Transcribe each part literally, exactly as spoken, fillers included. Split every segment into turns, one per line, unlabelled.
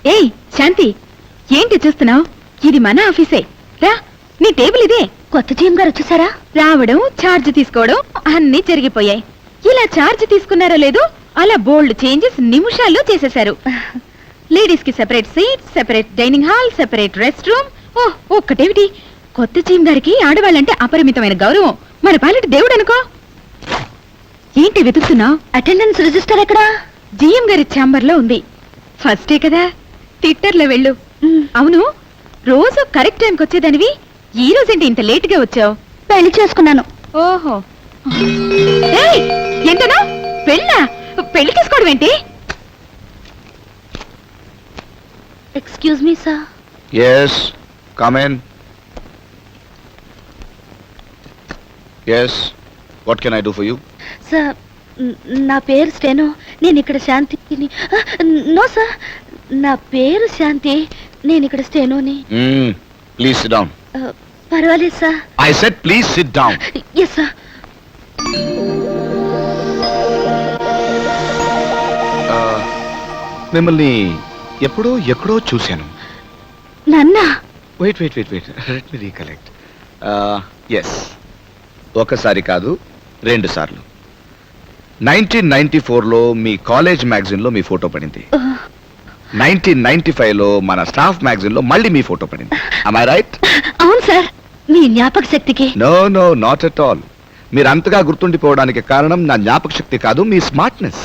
ఏయ్ శాంతి, ఏంటి చూస్తున్నావు? ఇది మన ఆఫీసే. రా, నీ టేబుల్ ఇదే.
కొత్త జీఎం గారు వచ్చేసారా?
రావడం, ఛార్జ్ తీసుకోవడం అన్నీ జరిగిపోయాయి. ఇలా ఛార్జ్ తీసుకున్నారో లేదో అలా బోల్డ్ చేంజెస్ నిమిషాల్లో చేసేశారు. లేడీస్ కి separate seat, separate dining hall, separate rest room. ఓ ఒక్కటేమిటి, కొత్త జీఎం గారికి ఆడవాళ్ళంటే అపరిమితమైన గౌరవం. మన పాలిటి దేవుడు అనుకో. ఏంటి వెతుకుతున్నావు?
అటెండెన్స్ రిజిస్టర్ ఎక్కడా?
జీఎం గారి ఛాంబర్ లో ఉంది. ఫస్టే కదా, ట్విట్టర్లో వెళ్ళు. అవును, రోజు కరెక్ట్ టైంకి వచ్చేదానివి, ఈ రోజేంటి ఇంత లేట్ గా వచ్చావు?
పెళ్లి చేసుకున్నాను.
ఓహో, ఏంటనా పెళ్ళా? పెళ్లి చేసుకోవడం ఏంటి?
Excuse me sir.
Yes, come in. Yes, what can I do for you?
Sir, నా పేరు స్టెనో. నేను ఇక్కడ శాంతిని. నో సార్, నా పేరు శాంతి. నేను ఇక్కడ స్టెనోని.
Mm, please sit down.
పర్వాలేదు sir.
I said please sit down.
Yes sir.
మిమ్మల్ని ఎప్పుడో ఎక్కడో చూశాను.
నన్న
wait wait wait wait let me recollect. Yes, ఒకసారి కాదు రెండు సార్లు. నైన్టీన్ నైన్టీ ఫోర్లో మీ కాలేజ్ మ్యాగజైన్లో మీ ఫోటో పడింది. నైన్టీన్ నైన్టీ ఫైవ్లో మన స్టాఫ్ మ్యాగజైన్లో మళ్ళీ మీ ఫోటో పడింది. Am I right?
అవును సార్. మీ జ్ఞాపక శక్తికి.
No no not at all. మీరు అంతగా గుర్తుండిపోవడానికి కారణం నా జ్ఞాపక శక్తి కాదు, మీ స్మార్ట్నెస్.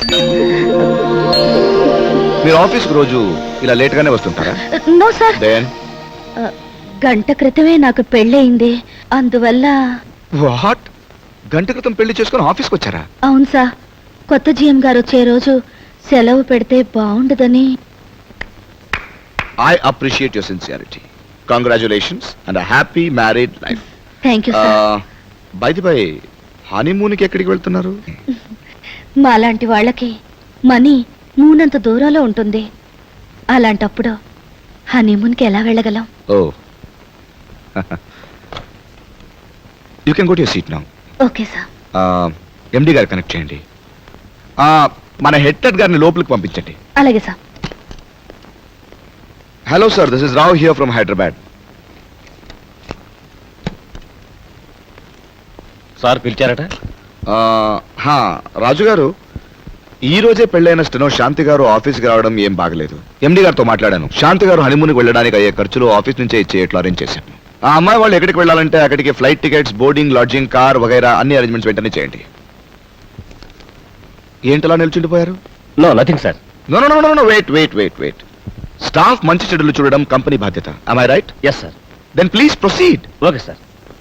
మీరు ఆఫీస్కి రోజు ఇలా లేట్ గానే వస్తుంటారా?
No sir.
దెన్
గంట క్రితమే నాకు పెళ్ళయింది, అందువల్ల.
వాట్? గంట క్రితం పెళ్లి చేసుకుని ఆఫీస్కి వచ్చారా?
అవును సార్. కొత్త జీఎం గారు వచ్చే రోజు సెలవు పెడితే బాగుండదని.
I appreciate your sincerity. Congratulations and happy married life.
Thank you sir.
By the by, హనీమూన్కి ఎక్కడికి వెళ్తున్నారు?
మాలాంటి వాళ్ళకి మనీ మూనంత దూరంలో ఉంటుంది. అలాంటప్పుడు హనీమూన్కి ఎలా వెళ్ళగలం?
Oh, you can go to your seat now.
Okay sir.
MD గారు కనెక్ట్ చేయండి. మన హెడ్ టెడ్ గారిని లోపలికి పంపించండి.
అలాగే sir.
Hello sir, this is Rao here from Hyderabad.
Sir పిలిచారట?
రాజు గారు, ఈ రోజే పెళ్ళైన స్టెనో శాంతి గారు ఆఫీస్కి రావడం ఏం బాగలేదు. ఎండి గారితో మాట్లాడాను. శాంతి గారు హనీమూన్కి వెళ్ళడానికి అయ్యే ఖర్చులు ఆఫీస్ నుంచే ఇచ్చేట్లు అరేంజ్ చేశాను. ఆ అమ్మాయి వాళ్ళు ఎక్కడికి వెళ్ళాలంటే అక్కడికి flight tickets, boarding, lodging, car వగైరా అన్ని అరేంజ్మెంట్స్ వెంటనే చేయండి. ఏంటలా నిల్చుండిపోయారు?
No nothing sir.
No no no no wait wait wait wait staff మంచి చెడులు చూడడం కంపెనీ బాధ్యత. am I right?
Yes sir.
then please proceed.
Okay sir.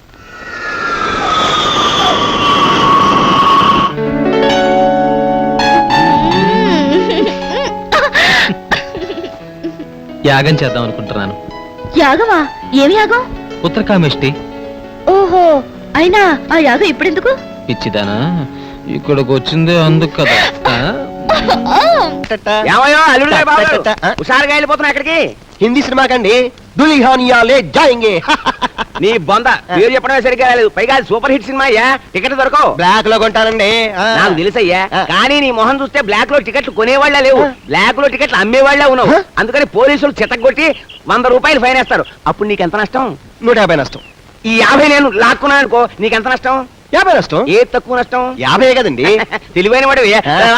యాగం చేద్దాం అనుకుంటున్నాను.
యాగమా? ఏమి యాగం?
ఉత్తరకామేష్టి.
ఓహో, అయినా ఆ యాగం ఇప్పుడెందుకు?
పిచ్చిదానా, ఇక్కడికి వచ్చిందే అందుకు కదా.
హుషారుగా వెళ్ళిపోతున్నా ఎక్కడికి? హిందీ సినిమా కండి. దుల్హనియాలే జాయింగే. నీ బొంద పేరు చెప్పడమే సరిగ్గా లేదు. పైగా సూపర్ హిట్ సినిమా అయ్యా. టికెట్ దొరకవు. బ్లాక్ లో కొంటానండి. నాకు తెలుసయ్యా, కానీ నీ మొహం చూస్తే బ్లాక్ లో టికెట్లు కొనేవాళ్లే లేవు, బ్లాక్ లో టికెట్లు అమ్మేవాళ్లే ఉన్నావు. అందుకని పోలీసులు చితగొట్టి వంద రూపాయలు ఫైన్ వేస్తారు. అప్పుడు నీకు ఎంత నష్టం? నూట యాభై నష్టం. ఈ యాభై నేను లాక్కున్నాను అనుకో, నీకెంత నష్టం? యాభై నష్టం. ఏ తక్కువ నష్టం? యాభై కదండి. తెలివైన వాడు.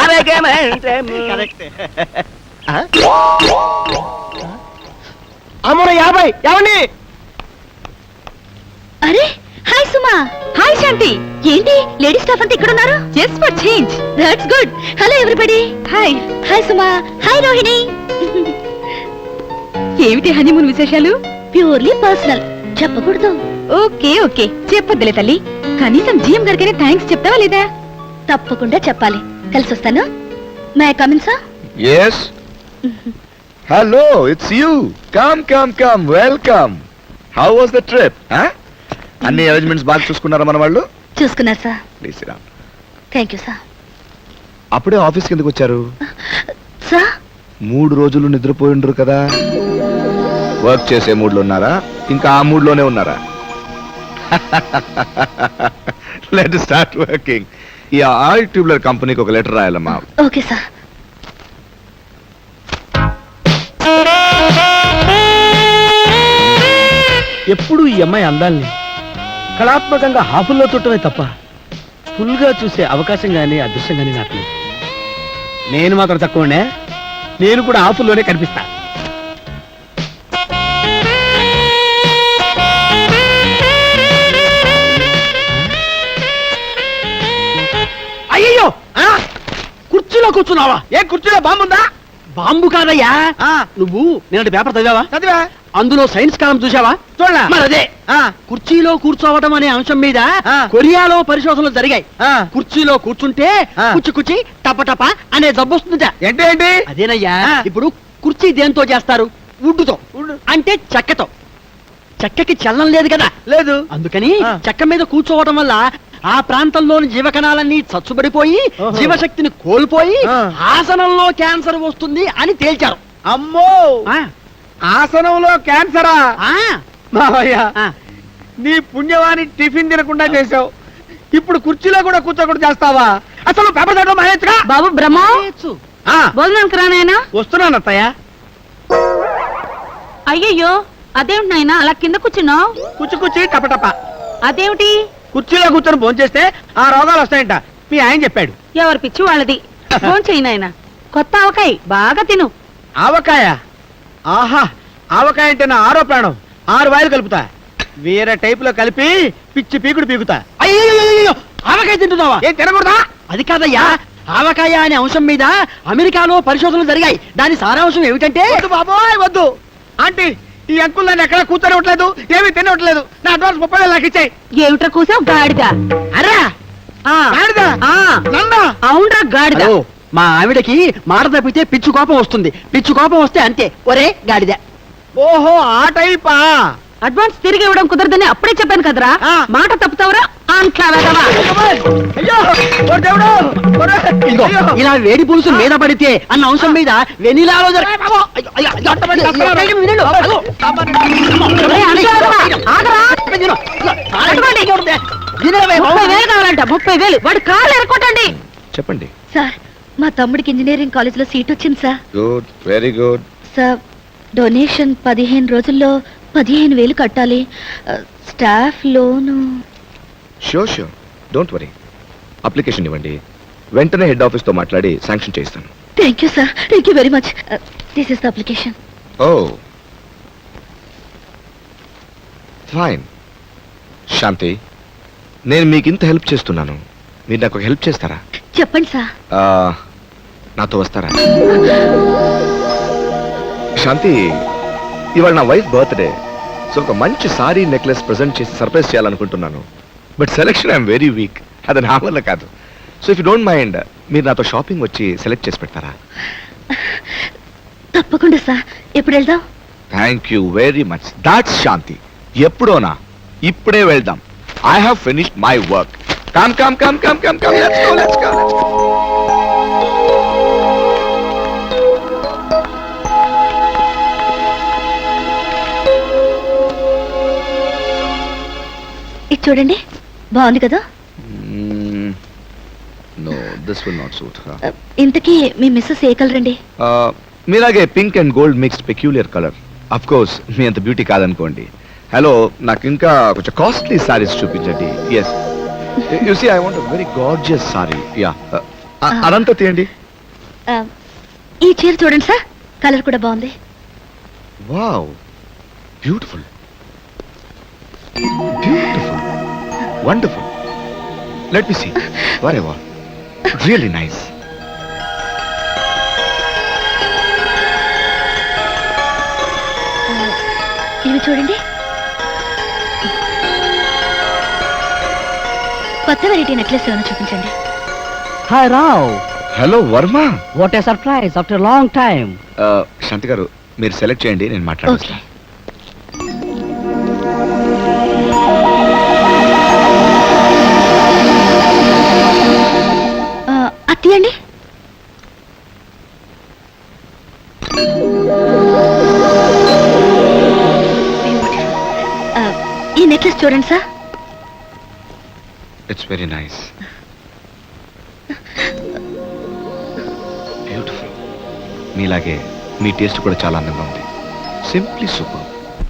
అమ్మో యాభై. ఏమండి?
అరే హాయ్ సుమా. హాయ్ శాంతి. ఏంటి లేడీ స్టాఫ్ అంతా ఇక్కడ ఉన్నారు?
Just for change.
That's good. Hello everybody.
Hi.
Hi Suma. Hi Rohini.
ఏమిటి హనీమూన్ విశేషాలు?
ప్యూర్లీ పర్సనల్, చెప్పకూడదు.
ఓకే ఓకే, చెప్పొద్దులే తల్లి. కనీసం జీఎం గారికైనా థ్యాంక్స్ చెప్తావా లేదా?
తప్పకుండా చెప్పాలి. కలిసి వస్తాను. May come in sir?
yes hello, it's you. come come come welcome. how was the trip? huh? అన్ని అరేంజ్మెంట్స్ బాగా చూసుకున్నారా మన వాళ్ళు?
చూసుకున్నారు సార్.
ప్లీజ్ రా.
Thank you sir.
అప్పుడే ఆఫీస్కి ఎందుకు వచ్చారు?
సార్,
మూడు రోజులు నిద్రపోయిండ్రు కదా. వర్క్ చేసే మూడ్లో ఉన్నారా, ఇంకా ఆ మూడ్లోనే ఉన్నారా? Let start working. ఈ ఆయిల్ ట్యూబ్లర్ కంపెనీకి ఒక లెటర్ రాయాలమ్మా.
Okay sir.
ఎప్పుడు ఈ అమ్మాయి అందాల్ని కళాత్మకంగా హాఫుల్లో చుట్టమే తప్ప ఫుల్గా చూసే అవకాశం కానీ అదృష్టం కానీ నాకు లేదు. నేను మాత్రం తక్కువనే, నేను కూడా హాఫుల్లోనే కనిపిస్తా. అయ్యో కుర్చీలో కూర్చున్నావా? ఏ కుర్చీలో బాంబు ఉందా? బాంబు కాదయ్యా. నువ్వు నేను పేపర్ చదివావా? చదివా. అందులో సైన్స్ కాలం చూసావా? చూడలా. మరి అదే కుర్చీలో కూర్చోవటం అనే అంశం మీద కొరియాలో పరిశోధనలు జరిగాయి. కుర్చీలో కూర్చుంటే కుచ్చి కుచ్చి టప టప అనే జబ్బు వస్తుందట. ఏంటి ఏంటి? అదేనయ్యా. ఇప్పుడు కుర్చీ దేంతో చేస్తారు? వుడ్డుతో. అంటే చెక్కతో. చెక్కకి చలనం లేదు కదా. లేదు. అందుకని చెక్క మీద కూర్చోవటం వల్ల ఆ ప్రాంతంలోని జీవకణాలన్నీ చచ్చుబడిపోయి జీవశక్తిని కోల్పోయి ఆసనంలో క్యాన్సర్ వస్తుంది అని తేల్చారు. అమ్మో, ఆసనంలో క్యాన్సరా? మావయ్య, నీ పుణ్యవాణి టిఫిన్ తినకుండా చేసావు, ఇప్పుడు కుర్చీలో కూడా కూర్చోకుండా చేస్తావా? అసలు పేపర్ చదవడం మానేచ్చుగా.
బాబు బ్రహ్మ, భోజనానికి రానాయనా?
వస్తున్నాను అత్తయ్య.
అయ్యయ్యో, అదేమిటి నాయనా అలా కింద కూర్చున్నావు?
కుచ్చి కుచ్చి టపటప.
అదేమిటి?
కుర్చీలో కూర్చొని భోంచేస్తే ఆ రోగాలు వస్తాయంట మీ ఆయన చెప్పాడు.
ఎవరి పిచ్చి వాళ్ళది. ఫోన్ చేయి నాయనా. కొత్త ఆవకాయ బాగా తిను.
ఆవకాయ? ఆహా, ఆవకాయ అంటే నా ఆరో ప్రాణం. ఆరు వాయిలు కలుపుతా, వేరే టైప్ లో కలిపి పిచ్చి పీకుడు పీకుతా. అయ్యో, ఆవకాయ తింటున్నావా? ఏం తినకూడదా? అది కాదయ్యా, ఆవకాయ అనే అంశం మీద అమెరికాలో పరిశోధనలు జరిగాయి. దాని సారాంశం ఏమిటంటే, వద్దు బాబోయ్ వద్దు ఆంటీ, ఈ అంకుల్ నన్ను ఎక్కడ కూర్చొనివ్వట్లేదు, ఏమీ తినవట్లేదు. నా అడ్వాన్స్ ముప్పై వేలు నాకు ఇచ్చాయి.
ఏమిట్రా కూసావు? గాడిద.
అరా గాడిద? నన్నా?
అవునరా గాడిద.
మా ఆవిడకి మాట తప్పితే పిచ్చు కోపం వస్తుంది. పిచ్చు కోపం వస్తే అంతే, ఒరే గాడిద. ఓహో, ఆ టైపా?
అడ్వాన్స్ తిరిగి ఇవ్వడం కుదరదని అప్పుడే చెప్పాను కదరా. మాట తప్పుతావరా అంట్లా వెదవా.
ఇలా వేడి పులుసు మీద పడితే అన్న అంశం మీద వెనిలాలో
ముప్పై వేలు కావాలంట. ముప్పై వేలు వాడు కాళ్ళు ఎరకొట్టండి.
చెప్పండి
సార్, మా తమ్ముడికి ఇంజనీరింగ్ కాలేజ్ లో సీట్ వచ్చింది sir.
Good, very good.
Sir, donation పదిహేను రోజుల్లో పదిహేను వేలు కట్టాలి. Staff loan.
Sure sure, don't worry. Application ఇవ్వండి, వెంటనే హెడ్ ఆఫీస్తో మాట్లాడి శాంక్షన్ చేస్తాను.
Thank you sir, thank you very much. This is the application.
Oh fine. Shanti, నేను మీకు ఇంత హెల్ప్ చేస్తున్నాను, మీరు నాకు హెల్ప్ చేస్తారా?
చెప్పండి సార్.
ఆ, నాతో వస్తారా? శాంతి, ఇవాళ నా వైఫ్ బర్త్డే, సో ఒక మంచి సారీ నెక్లెస్ ప్రెజెంట్ చేసి సర్ప్రైజ్ చేయాలనుకుంటున్నాను. But selection I'm very weak, అది నా వల్ల కాదు. So if you don't mind, మీరు నాతో షాపింగ్ వచ్చి సెలెక్ట్ చేసి పెడతారా?
తప్పకుండా సార్. ఎప్పుడు వెళ్దాం?
Thank you very much. That's Shanti. ఎప్పుడోనా, ఇప్పుడే వెళ్దాం. I have finished my work. Come come come come come come let's go let's go.
ఇది చూడండి, బాగుంది కదా?
No, this will not suit her.
ఇంతకీ మీ మిస్సెస్ ఏ కలర్ అండి?
మీలాగే pink and gold mixed peculiar colour. Of course మీ అంత బ్యూటీ కాదనుకోండి. హలో, నాకు ఇంకా కొంచెం కాస్ట్లీ సారీస్ చూపించండి. Yes, you see I want a very gorgeous sari. Yeah, అదంతా తీయండి.
ఈ చీర చూడండి సార్, కలర్ కూడా బాగుంది.
Wow, beautiful beautiful wonderful. Let me see. వరే వా, రియల్లీ నైస్.
ఇవి చూడండి, కొత్త వెరైటీ నెక్లెస్ ఏమైనా చూపించండి.
Hi Rao.
Hello Varma.
What a surprise after long time.
Shanti గారు, మీరు సెలెక్ట్ చేయండి, నేను
ఓకే.
మాట్లాడతాను.
అత్తియండి. ఈ నెక్లెస్ చూడండి sir.
It's very nice, beautiful. మీలాగే మీ టేస్ట్ కూడా చాలా అందంగా ఉంది. Simply super.